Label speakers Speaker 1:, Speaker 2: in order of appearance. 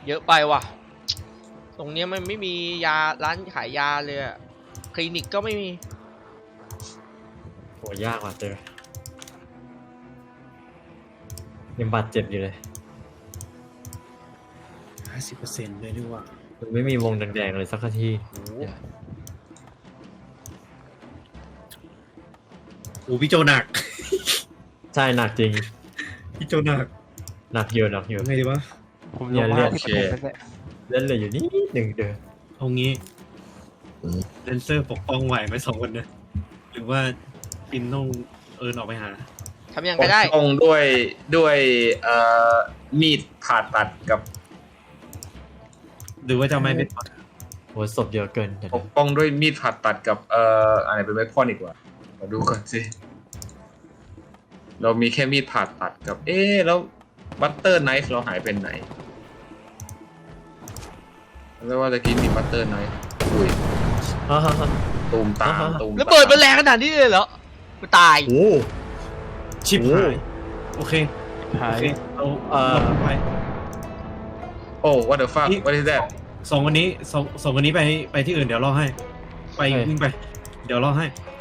Speaker 1: เยอะไปว่ะตรงเนี้ยมันไม่มียาร้านขายยาเลยอะคลินิกก็ไม่มี
Speaker 2: โหยากว่ะเจอยังบาดเจ็บอยู่เลย
Speaker 3: 50%เลยดีกว่า
Speaker 2: มันไม่มีวงแดงๆเลยสักที
Speaker 3: โอ้พี่โจหนัก
Speaker 2: ใช่หนักจริง
Speaker 3: พี่โจหนัก
Speaker 2: หนักเยอะหนักเยอะ
Speaker 3: ยังไงดีวะ
Speaker 4: ผมลงมา50%แล้ว
Speaker 2: เล่นเหลยอยู่นิดหนึ่งเด้อ
Speaker 3: เอางี้เลนเซอร์ปกป้องไหวไหม2 คนเนี่ยหรือว่าปินต้องเอินออกไปหา
Speaker 1: ทำยังก็ได้
Speaker 5: ปกป้องด้วยมีดผ่าตัดกับ
Speaker 3: หรือว่าจะไม่เป็น
Speaker 2: โหศพเยอะเกินเดี๋ยว
Speaker 5: ปกป้องด้วยมีดผ่าตัดกับอะไรเป็นเวพอนอีกว่ามาดูก่อนสิเรามีแค่มีดผ่าตัดกับแล้วบัตเตอร์ไนฟ์เราหายเป็นไหนแล้วว่าตะกี้มีบัตเตอร์ไนฟ์อุ้ย
Speaker 2: ฮ่าฮ่าฮ่า
Speaker 5: ตูมตามตูม
Speaker 1: แล้วเปิดมันแรงขนาดนี้เลยเหรอกูตาย
Speaker 2: โอ้
Speaker 3: ชิป
Speaker 2: โอ้
Speaker 3: หายโอเค
Speaker 4: หา
Speaker 3: โอย เคเอา ไป
Speaker 5: โอ้ what the fuck what is that
Speaker 3: 2 วันนี้2 วันนี้ไปที่อื่นเดี๋ยวรอให้ ไปวิ่งไป เดี๋ยวรอให้